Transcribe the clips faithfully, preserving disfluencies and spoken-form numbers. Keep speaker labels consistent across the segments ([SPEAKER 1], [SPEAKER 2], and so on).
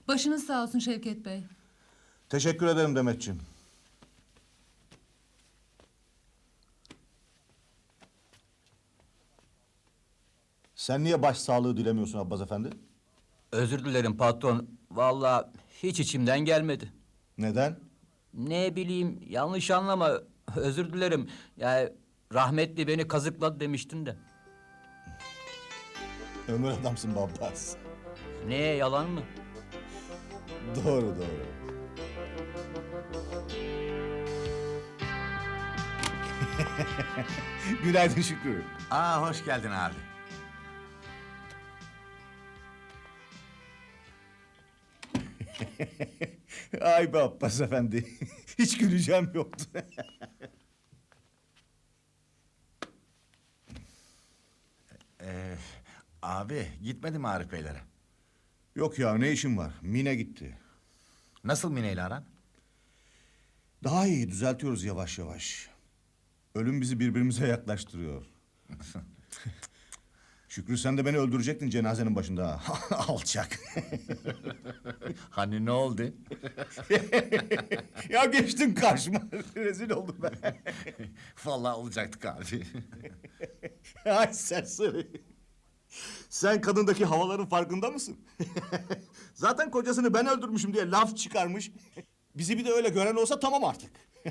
[SPEAKER 1] Başınız sağ olsun Şevket Bey.
[SPEAKER 2] Teşekkür ederim Demetciğim. Sen niye başsağlığı dilemiyorsun Abbas Efendi?
[SPEAKER 3] Özür dilerim patron. Vallahi hiç içimden gelmedi.
[SPEAKER 2] Neden?
[SPEAKER 3] Ne bileyim, yanlış anlama. Özür dilerim. Yani rahmetli beni kazıkladı demiştin de.
[SPEAKER 2] Ömür adamsın be Abbas.
[SPEAKER 3] Ne, yalan mı?
[SPEAKER 2] Doğru doğru. Günaydın Şükrü.
[SPEAKER 4] Aa, hoş geldin abi.
[SPEAKER 2] Ay be Abbas Efendi. Hiç güleceğim yoktu.
[SPEAKER 4] Ee, abi, gitmedi mi Arif Beylere?
[SPEAKER 2] Yok ya, ne işim var? Mine gitti.
[SPEAKER 4] Nasıl Mine ile aran?
[SPEAKER 2] Daha iyi, düzeltiyoruz yavaş yavaş. Ölüm bizi birbirimize yaklaştırıyor. Şükrü, sen de beni öldürecektin cenazenin başında. ha. Alçak.
[SPEAKER 4] Hani ne oldu?
[SPEAKER 2] Ya geçtin karşıma. Rezil oldum ben.
[SPEAKER 4] Vallahi olacaktık abi.
[SPEAKER 2] Ay serseri. Sen kadındaki havaların farkında mısın? Zaten kocasını ben öldürmüşüm diye laf çıkarmış. Bizi bir de öyle gören olsa tamam artık.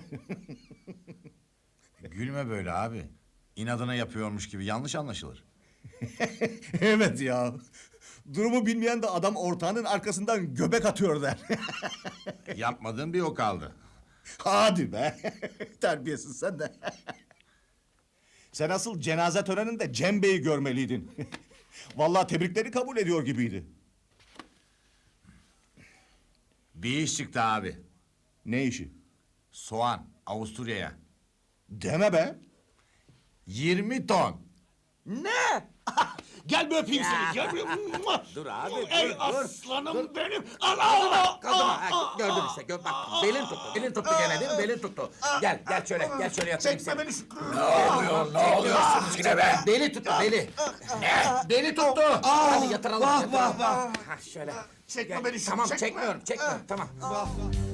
[SPEAKER 4] Gülme böyle abi. İnadına yapıyormuş gibi yanlış anlaşılır.
[SPEAKER 2] Evet ya. Durumu bilmeyen de adam ortağının arkasından göbek atıyor der.
[SPEAKER 4] Yapmadığın bir o kaldı.
[SPEAKER 2] Hadi be. Terbiyesiz sen de. Sen asıl cenaze töreninde Cem Bey'i görmeliydin. Vallahi tebrikleri kabul ediyor gibiydi.
[SPEAKER 4] Bir iş çıktı abi.
[SPEAKER 2] Ne işi?
[SPEAKER 4] Soğan, Avusturya'ya.
[SPEAKER 2] Deme be.
[SPEAKER 4] yirmi ton.
[SPEAKER 2] Ne? Gel bir öpeyim seni. Gel bir...
[SPEAKER 5] Dur abi,
[SPEAKER 2] Ey
[SPEAKER 5] dur, dur.
[SPEAKER 2] aslanım benim. Allah!
[SPEAKER 5] Kadın, ha, gördün işte, gör, bak belin tuttu, belin tuttu gene değil mi? Belin tuttu. Gel, gel şöyle, gel şöyle yatayım
[SPEAKER 2] Çekme
[SPEAKER 5] seni.
[SPEAKER 2] beni Şükrü.
[SPEAKER 5] Ne oluyorsunuz yine be? Beli tuttu, beli. Ne? Beli tuttu. Hadi yatıralım, yatıralım. Ha, şöyle.
[SPEAKER 2] Çekme
[SPEAKER 5] Gel.
[SPEAKER 2] beni Şükrü,
[SPEAKER 5] Tamam,
[SPEAKER 2] çekme.
[SPEAKER 5] çekmiyorum, çekmiyorum, tamam.